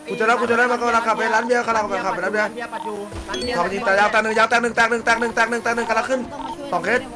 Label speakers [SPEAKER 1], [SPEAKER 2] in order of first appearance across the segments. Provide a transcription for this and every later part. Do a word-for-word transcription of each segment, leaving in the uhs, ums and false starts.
[SPEAKER 1] กูจะรับกูจะรับมันกำลังขับไปร้านเบียร์กำลังขับไปร้านเบียร์สองทีแต่ยาวแตกหนึ่งยาวแตกหนึ่งแตกหนึ่งแตกหนึ่งแตกหนึ่งแตกหนึ่งกำลังขึ้นสองเคส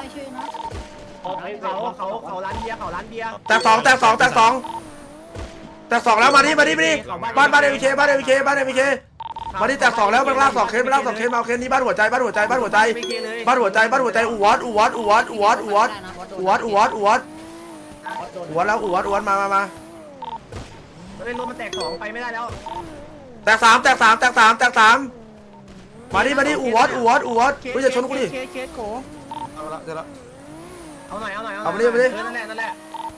[SPEAKER 2] เขาเขาเขาร้านเบียร์เขาร้านเบียร์
[SPEAKER 1] แตกสองแตกสองแตกสองแตกสองแล้วมาดิมาดิมาดิบ้านบ้านเอวิเคบ้านเอวิเคบ้านเอวิเคมาดิแตกสองแล้วมันลากสองเคสมันลากสองเคสมาเอาเคสนี้บ้านหัวใจบ้านหัวใจบ้านหัวใจบ้านหัวใจบ้านหัวใจอูวัดอูวัดอูวัดอูวัดอูวัดอูวัดอูวัดอูวัดอูวัดแล้วอูวัดอูวัดมามามา
[SPEAKER 2] เล่นรถมันแตกสองไปไม่ได้แล้ว
[SPEAKER 1] แตกสามแตกสามแตกสามแตกสามมาดิมาดิอูวัดอูวัดอูวัดกูจะชนกูดิเอาละเดี๋ยวละ
[SPEAKER 2] เอาหน่อยเอาหน่อย
[SPEAKER 1] เอาไปดิไปดิ
[SPEAKER 2] นั่นแหละนั่นแหละ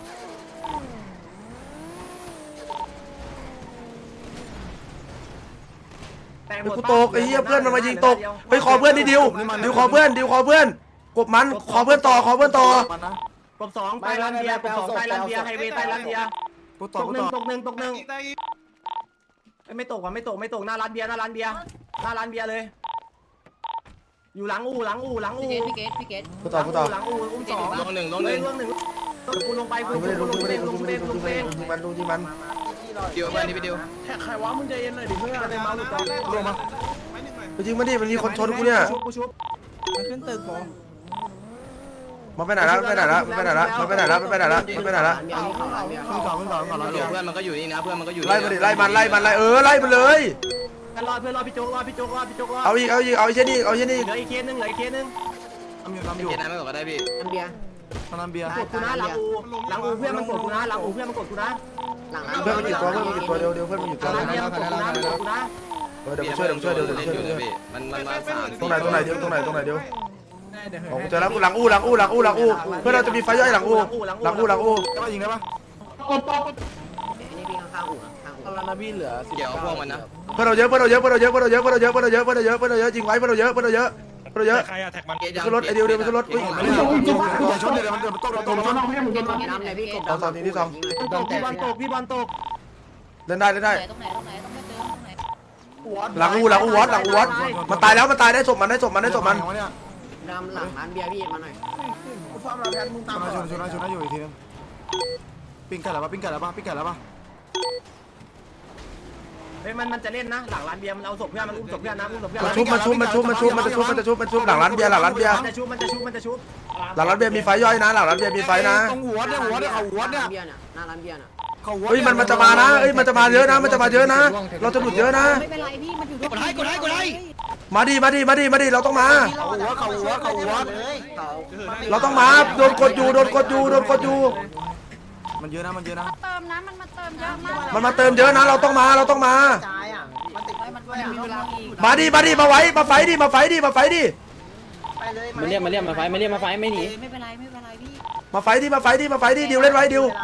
[SPEAKER 1] กูตกไอ้เหี้ยเพื่อนมันมายิงตกไปขอเพื่อนดิดิวดิวขอเพื่อนดิวขอเพื่อนกบมันขอเพื่อนต่อขอเพื่อนต่อก
[SPEAKER 2] บสองใต้ร้านเบียร์กบสองใต้ร้านเบียร์ไฮเวย์ใต้ร้านเบียร์ตกหนึ่งตกหนึ่งตกหนึ่งไม่ตกว่ะไม่ตกไม่ตกหน้าร้านเบียร์หน้าร้านเบียร์หน้าร้านเบียร์เลยอยู่หลังอู่หลังอู่หลังอู่
[SPEAKER 3] พี่เกตพี่เกต
[SPEAKER 1] กูต่อกูต่อ
[SPEAKER 2] หลังอู่อุ้มสอง
[SPEAKER 4] ลงหนึ่งลงหนึ่ง
[SPEAKER 2] ลงหนึ่งกูลงไปกู
[SPEAKER 1] กูไม่ได้
[SPEAKER 2] ล
[SPEAKER 1] ลง
[SPEAKER 2] ง
[SPEAKER 1] กูไม่
[SPEAKER 2] เป้
[SPEAKER 1] ได้
[SPEAKER 2] ง
[SPEAKER 1] ล
[SPEAKER 2] ล
[SPEAKER 1] ง
[SPEAKER 2] ง
[SPEAKER 1] กูไม่
[SPEAKER 2] เป้
[SPEAKER 1] ได้
[SPEAKER 2] ง
[SPEAKER 1] ล
[SPEAKER 2] ล
[SPEAKER 1] ง
[SPEAKER 2] งเป้ง
[SPEAKER 1] มันลงที่มัน
[SPEAKER 4] เดี๋ยวมันนี่ไปเดียว
[SPEAKER 2] ใครวะมึงใจเย็นหน่อยดิเพื่อนเป็นเมาส์ตัวลงมา
[SPEAKER 1] ไปยิงมันดิมันมีคนชนกูเนี่ย
[SPEAKER 2] ชุบกูชุบ
[SPEAKER 3] มันขึ้นตึกผม
[SPEAKER 1] มันไปไหนละมันไปไหนละมันไปไหนละมันไปไหนละมันไปไหนละมันไปไหนละ
[SPEAKER 2] ขึ้นก่อนขึ้นก่อนก่อน
[SPEAKER 4] เพื่อนมันก็อยู่นี่นะเพื่อนมันก็อยู่
[SPEAKER 1] ไล่มันดิไล่มันไล่มันไล่เออไล่มันเลย
[SPEAKER 2] เพื่อนรอเพื่อนรอพี่โจ๊กรอพี่โจ๊กรอพี่โจ๊กรอ
[SPEAKER 1] เอาอีกเอาอีกเอาไอ้เช่นนี้เอาไอ้เช่นนี้
[SPEAKER 2] เหลืออีกเคสนึงเหลืออีกเคสนึง
[SPEAKER 4] ทำอยู่ทำอยู่เกณฑ์นั้นไม่ตกก็ได้พี่
[SPEAKER 3] น้ำเบียร์
[SPEAKER 2] น้ำเบียร์กดกูนะหลังอูหลังอูเพื่อนมันกดกูนะหลังอูเพื่อนมันกดกูนะ
[SPEAKER 3] หลังร้าน
[SPEAKER 1] เพื่อนมันอยู่ตัวเพื่อนมันอยู่ตัวเดียวเดียวเพื่อนมันอยู่
[SPEAKER 2] ห
[SPEAKER 1] ตัว
[SPEAKER 2] ลัง
[SPEAKER 1] เดียว
[SPEAKER 2] เบียร์มันกดกูนะมันกดกูนะ
[SPEAKER 1] เออเดี๋ยวกูช่วยเดี๋ยวกูช่วยเดี๋ยวเดี๋ยวช่วยเดี๋ยวช่วย
[SPEAKER 4] มันมันมาสาม
[SPEAKER 1] ตรงไหนตรงไหนเดียวตรงไหนตรงไหนเดียวของกูเจอแล้วกูหลังอู้หลังอู้หลังอู้หลังอู้เพื่อนเราจะมีไฟย่อยหลังอู้หลังอู้หลังอู้ได้ปะยิงได้ปะ
[SPEAKER 3] นี่พี่ข้างๆอู่ข้างอู่
[SPEAKER 5] แล้วนะพี่เหลือ
[SPEAKER 4] เดี๋ยวพวกมันนะ
[SPEAKER 1] เพื่อนเราเยอะเพื่อนเราเยอะเพื่อนเราเยอะเพื่อนเราเยอะเพื่อนเราเยอะเพื่อนเราเยอะเพื่อนเราเยอะเพื่อนเราเยอะยิงไว้เพื่อนเราเยอะเพื่อนเราเยอะเพื่อนเราเยอะ
[SPEAKER 4] ใครอะแท็กมัน
[SPEAKER 1] ขึ้นรถไอเดียวเดียวขึ้นรถอุ้ยอย่าชนเดี๋ยวมันเดี๋ยวมันตกเราตกเราชน
[SPEAKER 3] น้ำเลยพี่กบ
[SPEAKER 1] เอาสองทีที่สอง
[SPEAKER 2] ตกพี่บอลตกพี่บอลตก
[SPEAKER 1] เล่นได้เล่นได้
[SPEAKER 3] ตรงไหนตรงไหนต้องไปเจอตรงไหน
[SPEAKER 1] หลังอู้หลังอู้วัดหลังอู้วัดมันตายแล้วมันตายได้ศพมันได้ศพมันได้ศพมัน
[SPEAKER 3] ดำหลังร้านเบียร์พี่มาหน่อย
[SPEAKER 5] ชนนะชนนะชนนะอยู่อีกทีนึงปิ้งไก่แล้วปะปิ้งไก่แล้วปะปิ้งไก่แล้วปะ
[SPEAKER 2] เฮ้ยมันมันจะเล่นนะหลังร้านเบียร์มันเอาศพเพื่อนมันอุ้มศพเพื่อนนะอุ้มศพเพื่อน
[SPEAKER 1] มันชุบมันชุบมันชุบมันชุบมันจะชุบมันจะชุบมันชุบหลังร้านเบียร์หลังร้านเบียร์
[SPEAKER 2] มันจะชุบมันจะชุบมันจะชุบ
[SPEAKER 1] หลังร้านเบียร์มีไฟย่อยนะหลังร้านเบียร์มีไฟนะ
[SPEAKER 5] ตรงหัวเนี่ยหัวเนี่ยเขาหัวเนี่ย
[SPEAKER 3] เบียร์เนี่ยหน้าร้านเบียร์น่ะ
[SPEAKER 5] เขาหัว
[SPEAKER 1] เฮ้ยมันมันจะมานะเฮ้ยมันจะมาเยอะนะมันจะมาเยอะนะ เราจะหลุดเยอะนะ
[SPEAKER 3] ไม่เป็นไรพี่มันอยู่
[SPEAKER 4] กดให้กดให้กดให้
[SPEAKER 1] มาดิมาดิมาดิมาดิเราต้องมา
[SPEAKER 5] เขาหัวเขาหัวเขาหัว
[SPEAKER 3] เขา
[SPEAKER 1] เราต้องมาโดนกดอยู่โดนกดอยู่โดนกดอยู่
[SPEAKER 5] มันเยอะนะมันเยอะนะ
[SPEAKER 6] เติมนะมันมาเติมเยอะมาก
[SPEAKER 1] มันมาเติมเยอะนะเราต้องมาเราต้องมา
[SPEAKER 3] มันมีเวลาอีก
[SPEAKER 1] มาดิมาดิมาไว้มาไฟดิมาไฟดิมาไฟดิ
[SPEAKER 7] มาเรียกมาเรียกมาไฟมาเรียกมาไฟไม่หนี
[SPEAKER 3] ไม่เป็นไรไม่เป็นไรพี่
[SPEAKER 1] มาไฟดิมาไฟดิมาไฟดิดิวเล่นไว้ดิว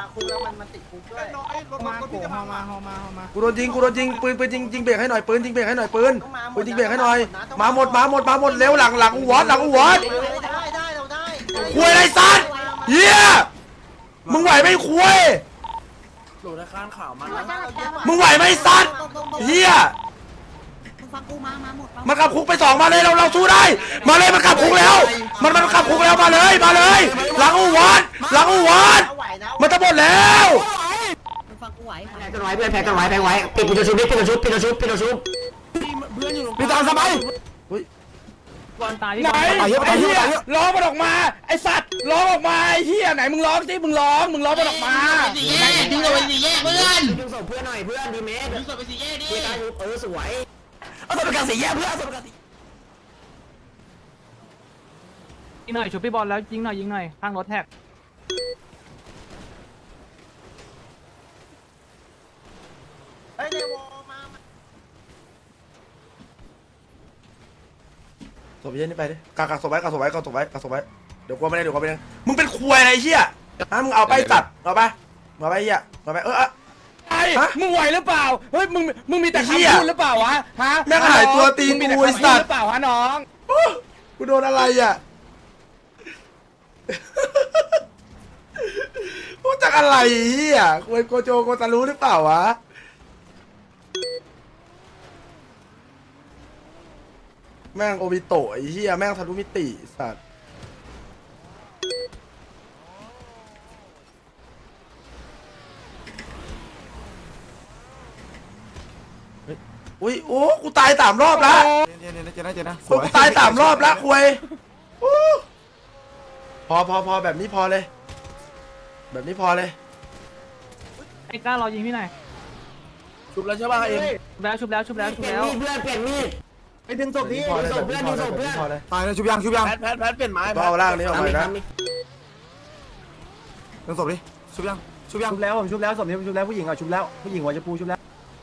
[SPEAKER 1] กูโดนยิงกูโดนยิงปืนปืนยิงยิงเบรกให้หน่อยปืนยิงเบรกให้หน่อยปืนปืนยิงเบรกให้หน่อยมาหมดมาหมดมาหมดเร็วหลังหลังอูวอดหลังอูวอดคุยอะไรสัตว์เฮียมึงไหวไหมคุย
[SPEAKER 5] หลุดในข้างข่าวมัน
[SPEAKER 1] มึงไหวไหมสัตว์เฮีย
[SPEAKER 3] มึงฟังกูมามาหมด
[SPEAKER 1] มันกลับคุกไปสองมาเลยเราเราสู้ได้ มาเลยมันกลับคุกแล้ว มันมันกลับคุกแล้วมาเลยมาเลย หลังอูวัดหลังอูวัดมันจะหมดแล้ว
[SPEAKER 3] มึงฟังกูไหว
[SPEAKER 7] แพ้กันไว้เพื่อนแพ้กันไว้แพ้ไว้ปิดปิดตัวชุบปิดตัวชุบปิดตัวชุบปิดตัวชุบ
[SPEAKER 5] พี่ตามสบาย
[SPEAKER 7] ไหนไอ้เหี้ยร้องมันออกมาไอ้สัตว์ร้องออกมาไอ้เหี้ยไหนมึงร้องสิมึงร้องมึงร้องมันออกมา
[SPEAKER 3] ดึงเอาไปสี่แยกเพื่อน
[SPEAKER 7] ดึงศพเพื่อนหน่อยเพื่อนดีเมส
[SPEAKER 3] ดึงศพไปสี่แยกดิ
[SPEAKER 7] เออสวย
[SPEAKER 5] เอาตัวประกันสีแย่เพื่อนเอาตัวประกันสี
[SPEAKER 8] ยิงหน่อยชุบพี่บอลแล้วยิงหน่อยยิงหน่อยข้างรถแท็ก
[SPEAKER 1] ศพเย็นนี่ไปดิกักกักศพไว้กักศพไว้กักศพไว้กักศพไว้เดี๋ยวกลัวไม่ได้เดี๋ยวกลัวไม่ได้มึงเป็นควยอะไรเชี่ยฮะมึงเอาไปตัดเอาไปเอาไปเฮียเอาไปเออเออ
[SPEAKER 7] ไอ้มึงไหวหรือเปล่าเฮ้ยมึงมึงมีแต่
[SPEAKER 1] ไอ้เหี้ย
[SPEAKER 7] คำพูดหรือเปล่าวะฮะ
[SPEAKER 1] แม่งหายตัวตีน
[SPEAKER 7] มึงมีแต่
[SPEAKER 1] กูไอ้
[SPEAKER 7] คำ
[SPEAKER 1] สั
[SPEAKER 7] พูด
[SPEAKER 1] ตว์
[SPEAKER 7] หรือเปล่าฮะน้อง
[SPEAKER 1] กูโดนอะไรอ่ะกูจากอะไรเฮียควยโกโจโกตารู้หรือเปล่าวะแม่งโอบิโตะไอ้เฮียแม่งทะลุมิติสัตว์อุ้ยโอ้กูตายสามรอบละ
[SPEAKER 5] เจนเจนเจนนะเจนนะ
[SPEAKER 1] กูตายสามรอบละคุยโอ้พอพอพอแบบนี้พอเลย แบบนี้พอเลย
[SPEAKER 8] ไอ้ก้าเรายิงพี่หน่อย
[SPEAKER 7] ชุบแล้วใช่ป่ะเอ็ม
[SPEAKER 8] ชุบแล้วชุบแล้วชุบแล้วชุบแล้ว
[SPEAKER 2] เปลี่ยนมีดเปลี่ยนมีดไปดึงศพนี้
[SPEAKER 1] พอเลย
[SPEAKER 2] ศ
[SPEAKER 1] แบ
[SPEAKER 2] พ
[SPEAKER 1] บ
[SPEAKER 2] เพื่
[SPEAKER 1] นี้
[SPEAKER 2] อน
[SPEAKER 1] พอ
[SPEAKER 2] ดึง
[SPEAKER 1] เลย
[SPEAKER 2] ศ
[SPEAKER 1] แบบ
[SPEAKER 2] พ
[SPEAKER 1] นี้
[SPEAKER 2] เพื่อน
[SPEAKER 1] พอเลย
[SPEAKER 5] ตายเลยชุบยังชุบยัง
[SPEAKER 7] แพทแพทแพทเปลี่ยนไม้
[SPEAKER 1] ก็เอาล่างนี้ออกไปนะ
[SPEAKER 5] ดึงศพดิชุบยังชุบยัง
[SPEAKER 2] ชุบแล้วผมชุบแล้วศพนี้ผมชุบแล้วผู้หญิงอ่ะชุบแล้วผู้หญิงหัวจะปูชุบแล้ว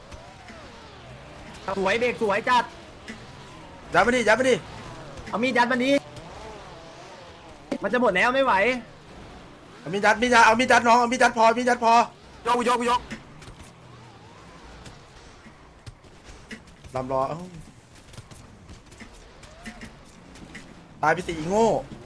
[SPEAKER 2] สวยเด็กสวยจัด
[SPEAKER 1] ยัดไปดิยัดไปดิ
[SPEAKER 2] เอามีดยัดมันนี้มันจะหมดแล้วไม่ไหว
[SPEAKER 1] เอามีดยัดมีดยัดเอามีดยัดน้องเอามีดยัดพอมีดยัดพอย
[SPEAKER 5] กกูยกกูยก
[SPEAKER 1] ลำรอเอ้าตายไปสี่โง่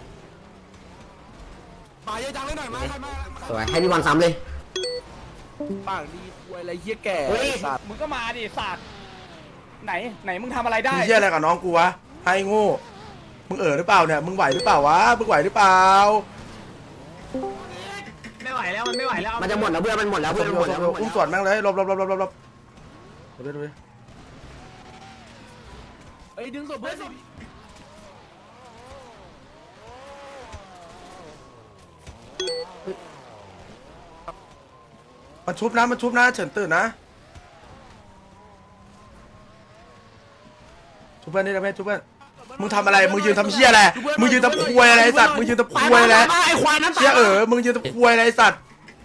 [SPEAKER 5] ตายเยอะจังเลยหน่อยมาใครมา
[SPEAKER 3] สวยให้พี่บอลซ้ำเลย
[SPEAKER 7] ปากดีควยอะไรเหี้ยแก่สัตว์มึงก็มาดิสัตว์ไหนไหนมึงทำอะไรได้
[SPEAKER 1] มึงเชี่ยอะไรกับน้องกูวะให้โง่มึงเอ๋อหรือเปล่าเนี่ยมึงไหวหรือเปล่าวะมึงไหวหรือเปล่า
[SPEAKER 2] ไม่ไหวแล้วมันไม่ไหวแล้ว
[SPEAKER 3] มันจะหมดแล้วเพื่อนมันหมดแล้ว
[SPEAKER 1] ส
[SPEAKER 3] เพื่อน
[SPEAKER 1] ม
[SPEAKER 3] มันหมดแล้ว
[SPEAKER 1] อุ้มสวนแม่งเลยหลบหลบหลบหลบหลบหลบดูดิดูดิ
[SPEAKER 7] เอ้ยดึงศพเพื่อนสิ
[SPEAKER 1] มันชุบนะมันชุบนะเฉินตื่นนะชุบเพื่อนนี่นะเพื่อนชุบเพื่อนมึงทำอะไรมึงยืนทำเชี่ยอะไรมึงยืนทำควยอะไรไอ้สัตว์มึงยืนทำควยอะไร
[SPEAKER 7] ไอ้ควายนั้น
[SPEAKER 1] เชี่ยเออมึงยืนทำควยอะไรไอ้สัตว์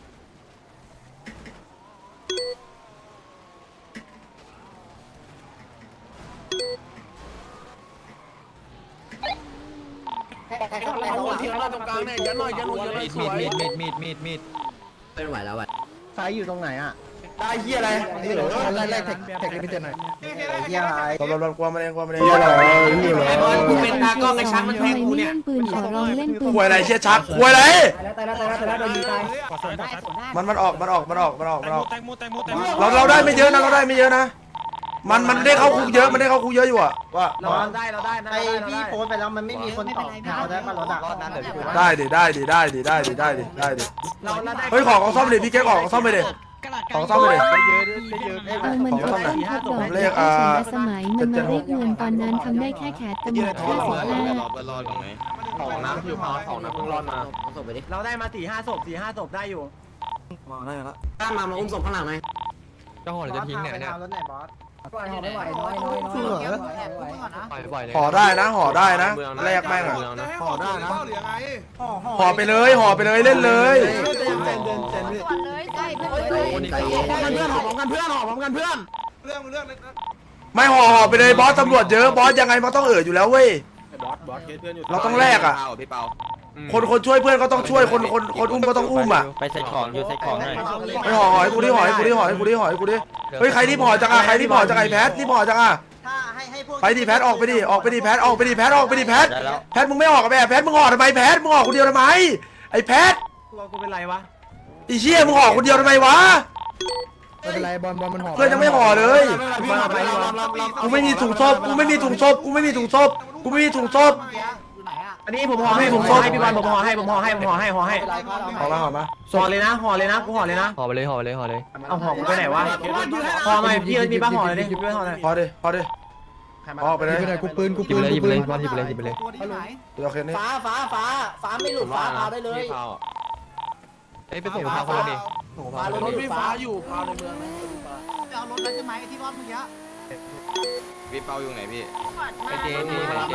[SPEAKER 7] เอาหัวเทียนมาตรงกลางเนี่ยยันหน่อยยันหน่อยยันหน่อยสวย
[SPEAKER 3] ไม่ไหวแล้วอ่ะ
[SPEAKER 2] ไฟอยู่ตรงไหนอ่ะ
[SPEAKER 5] ได้เฮียอะไร
[SPEAKER 2] นี่เหรอไล่ไล่เทคเทคพิเศษหน่อยเฮียอะไร
[SPEAKER 1] หลบหลบหลบกลัวมันเองกลัวมันเอง
[SPEAKER 3] ไอ้บอลกูเป็นตากล้องไอ้ชักมันแทงกูเนี่ย
[SPEAKER 6] ปืนขอร้องเล่นปืน
[SPEAKER 1] ควยอะไรเชี่ยชักควยอะไร
[SPEAKER 2] ตายแล้วตายแล้วตายแล้วตายแล้วโดนยิงตาย
[SPEAKER 1] มันมันออกมันออกมันออกมันออกมันออกเราเราได้ไม่เยอะนะเราได้ไม่เยอะนะมันมันได้เข้าคุกเยอะมันได้เข้าคุกเยอะอยู่อะว่า
[SPEAKER 2] เราได้เราได้นะ
[SPEAKER 9] ไอพี่โพสต์ไปแล้วมันไม่มีคนตอบแถวได้มารถอ่ะ
[SPEAKER 1] ได้ดิได้ดิได้ดิได้ดิได้ดิได้ดิ
[SPEAKER 2] เราเราได้
[SPEAKER 1] เฮ้ยขอของซ่อมเลยพี่เก๊กออกของซ่อมไปเลยของซ่อมไปเลย
[SPEAKER 6] เออมันก็ต้องแคทดอก
[SPEAKER 1] เลขอ่า
[SPEAKER 6] สมัยมันมาเรียกเงินตอนนั้นทำได้แค่แคทกันหมดแค่สิบห้า
[SPEAKER 4] รอตรงไหน
[SPEAKER 3] ของน้ำอยู่พอของน้ำเพิ่งรอดมาเอาศพไปดิ
[SPEAKER 2] เราได้มาสี่ห้าศพสี่ห้าศพได้อยู่
[SPEAKER 5] มาได้แล้ว
[SPEAKER 3] ตามมามาอุ้มศพข้างหลังหน่อย
[SPEAKER 4] เจ้าหัวจะทิ้งเนี่ยเนี่ย
[SPEAKER 9] รถไหนบอสไม่ไหวน้อยน้อยน้อย
[SPEAKER 4] ปล่อยปล่อยเลย
[SPEAKER 1] ห่อได้นะห่อได้นะแลกแม่งอะ
[SPEAKER 5] ห่อได้นะ
[SPEAKER 1] ห่อไปเลยห่อไปเลยเล่นเลย
[SPEAKER 5] เจนเจนเจนเจนเจนพี่
[SPEAKER 6] ก่อนเลยใช่เพื่อนเลย
[SPEAKER 3] ใจเย็น
[SPEAKER 7] เพื่อนหอมกันเพื่อนหอมกันเพื่อน
[SPEAKER 1] ไม่ห่อห่อไปเลยบอสตำรวจเยอะบอสยังไงมันต้องเอ่ออยู่แล้วเว้ยเราต้องแลกอะ
[SPEAKER 4] พี่เปา
[SPEAKER 1] คนคนช่วยเพื่อนก็ต้องช่วยคนคนคนอุ้มก็ต้องอุ้มอะ
[SPEAKER 8] ไปใส่ของอยู่ใส่ของหน่อย
[SPEAKER 1] ไม่ห่อห่อให้กูดิห่อให้กูดิห่อให้กูดิห่อให้กูดิเฮ้ยใครที่ห่อจังอะใครที่ห่อจังไอ้แพทที่ห่อจังอะ
[SPEAKER 9] ถ้าให้ให้พวก
[SPEAKER 1] ไปดิแพทออกไปดิออกไปดิแพทออกไปดิแพทออกไปดิแพทแพทมึงไม่ออกกับแม่แพทมึงห่อทำไมแพทมึงห่อคนเดียวทำไมไอ้แพท
[SPEAKER 2] ตัวกูเป็นไรวะ
[SPEAKER 1] ไอ้เชี่ยมึงห่อคนเดียวทำไมวะ
[SPEAKER 5] ไม่เป็นไรบอลบอลมันห่อ
[SPEAKER 1] เพื่อนยังไม่ห่อเลย
[SPEAKER 5] พี่ห่อไปลำลำลำ
[SPEAKER 1] กูไม่มีถุงศพกูไม่มีถุงศพกูไม่มีถุงศพกูไม่มีถุงศพ
[SPEAKER 9] อยู่ไหนอ่ะ
[SPEAKER 2] อันนี้ผมห่อให้ผมห่อให้พี่บอลผมห่อให้ผมห่อให้ผมห่อให้ห่อให้
[SPEAKER 1] ห่อมาห่อมา
[SPEAKER 2] ห่อเลยนะห่อเลยนะกูห่อเลยนะ
[SPEAKER 8] ห่อไปเลยห่อไปเลยห่อเลย
[SPEAKER 2] เอาห่อกูไปไหนวะห่อมาพี่เอิร์ธมีบ้าห่อเลยดิพี่เอิร์ธห่อเลย
[SPEAKER 1] พอดิพอดิออกไปเลย
[SPEAKER 5] กูปืนกู
[SPEAKER 8] หยิ
[SPEAKER 5] ปื
[SPEAKER 8] บ
[SPEAKER 5] น
[SPEAKER 8] เลยหยิบ
[SPEAKER 5] กู
[SPEAKER 8] ไป
[SPEAKER 5] ปื
[SPEAKER 8] เลย
[SPEAKER 5] น
[SPEAKER 8] บอลหยิบไปเลยหยิบไปเลย
[SPEAKER 9] ตัวที่ไหน
[SPEAKER 1] เดี๋ยวโอเคนี่
[SPEAKER 9] ฟ้าฟ้าฟ้าฟ้าไม่หลุดฟ้าพาได้เลย
[SPEAKER 8] เอ้ยไปส่งทางคนละดิ
[SPEAKER 9] ฟ้ารถ
[SPEAKER 7] รถ
[SPEAKER 9] หลุ
[SPEAKER 7] ไฟ
[SPEAKER 9] ด
[SPEAKER 7] ฟ้า
[SPEAKER 9] ฟ้า
[SPEAKER 7] อยู่พาวในเมือง
[SPEAKER 9] เอารถนั้นใช่ไหมที่รอดเมื่อกี้
[SPEAKER 4] พี่เปาอยู่ไหนพี่
[SPEAKER 8] ไอเจนี่ไอเจ